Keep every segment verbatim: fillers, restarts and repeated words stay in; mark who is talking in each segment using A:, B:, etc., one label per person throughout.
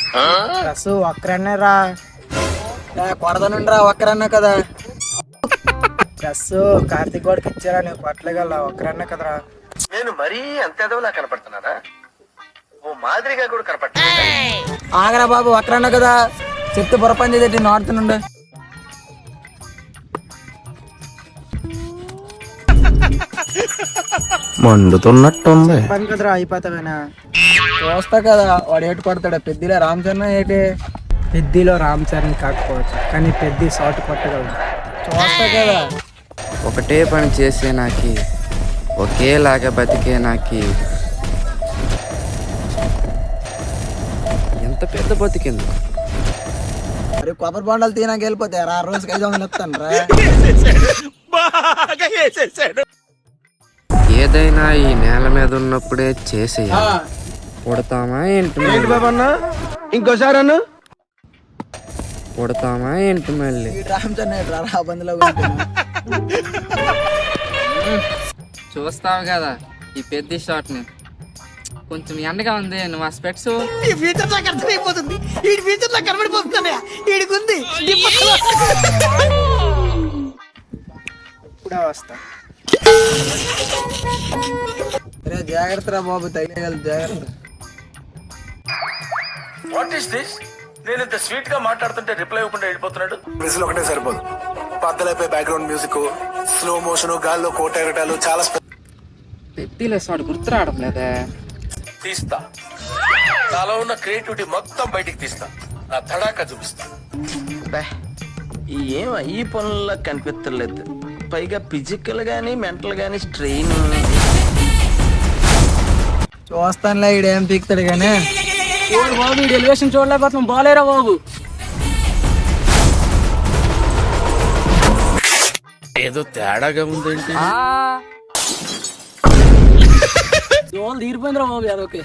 A: Dress ఒక్కరన్నే రా కొడదనుండి రా ఒక్కరన్నా కదా. డ్రెస్ కార్తీక్ గోడకి ఇచ్చారా నువ్వు కొట్టలేగల ఒక్కరన్నా కదరా.
B: నేను మరీ అంత ఎదవలా కనపడుతున్నారా? ఓ మాదిరిగా కూడా కనపడుతున్నా.
A: ఆగరా బాబు ఒక్కరన్నా కదా చెప్తే బుర్రపని చేసేటి నాడుతుండే.
C: మండుతున్నట్టుంది
A: పని కదరా అయిపోతావేనా చూస్తా కదా వాడు ఏటు కొడతాడా. పెద్దిలో రామ్ చరణ్ ఏటి పెద్దిలో రామ్ చరణ్ కాకపోవచ్చు కానీ పెద్ది షాట్ కొట్టగలడు చూస్తా కదా.
C: ఒకటే పని చేసే నాకి ఒకేలాగా బతికే నాకి ఎంత పెద్ద బతికింది.
A: మరి కొబ్బరి బొండాలు తినాక వెళ్ళిపోతారు ఆ రోజుకి ఐదు వందలు ఇస్తాను రా.
C: ఏదైనా ఈ నేల మీద ఉన్నప్పుడే చేసేయాలి. పుడతామా ఏంటి
B: ఇంకోసారి అన్న
C: పుడతామా ఏంటి మళ్ళీ.
A: రామ్ చరణ్ ఏటు రా రా బందులో
D: చూస్తావు కదా ఈ పెద్ద షాట్ ని కొంచెం ఎండగా ఉంది. నువ్వు ఆ స్పెక్స్
E: ఈ ఫ్యూచర్ నాకు అర్థమైపోతుంది. ఈ ఫ్యూచర్ నాకు కనబడిపోతుంది. ఈడికి ఉంది
A: ఇప్పుడే వస్తా. రే జాగ్రత్త రా బాబు తగిలేగలదు జాగ్రత్త.
B: What is this? నేను ఇంత స్వీట్ గా మాట్లాడుతుంటే రిప్లై ఇవ్వకుండా వెళ్ళిపోతున్నాడు.
F: విజిల్ ఒకటే సరిపోదు, పద్దలైపోయి బ్యాక్గ్రౌండ్ మ్యూజిక్, స్లో మోషన్, గాల్లో కోట ఎగటాలు చాలా
D: పెద్దిలో షాట్ గుర్తు రావడం లేదే.
B: తీస్తా, నాలో ఉన్న క్రియేటివిటీ మొత్తం బయటికి తీస్తా, నా తడాకా చూపిస్తా.
G: ఏం ఈ పనుల్లో కనిపించలేదు. పైగా ఫిజికల్ గానీ మెంటల్ గానీ స్ట్రెయిన్.
A: చూస్తానులే ఈడేం పీకుతాడు కానీ.
D: బాబు ఎలివేషన్ చూడలేకపోతున్నాం. బాలేరా బాబు.
B: ఏదో తేడాగా ఉందేంటి?
D: జోలు తీరిపోయిందిరా బాబు అదొకే.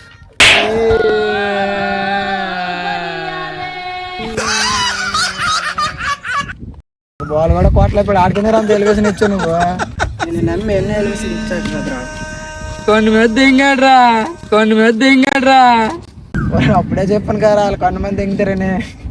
A: బాల్ కూడా కోట్లైపోయి ఆడుకునే అంత ఎలివేషన్ ఇచ్చావు నువ్వు. నేను నమ్మి ఎన్నో ఎలివేషన్ ఇచ్చాడు కదరా.
D: కొన్ని మీద దింగాడ్రా కొన్ని మీద దింగాడ్రా.
A: అప్పుడే చెప్పాను కదా వాళ్ళు కొంతమంది దింగుతారని.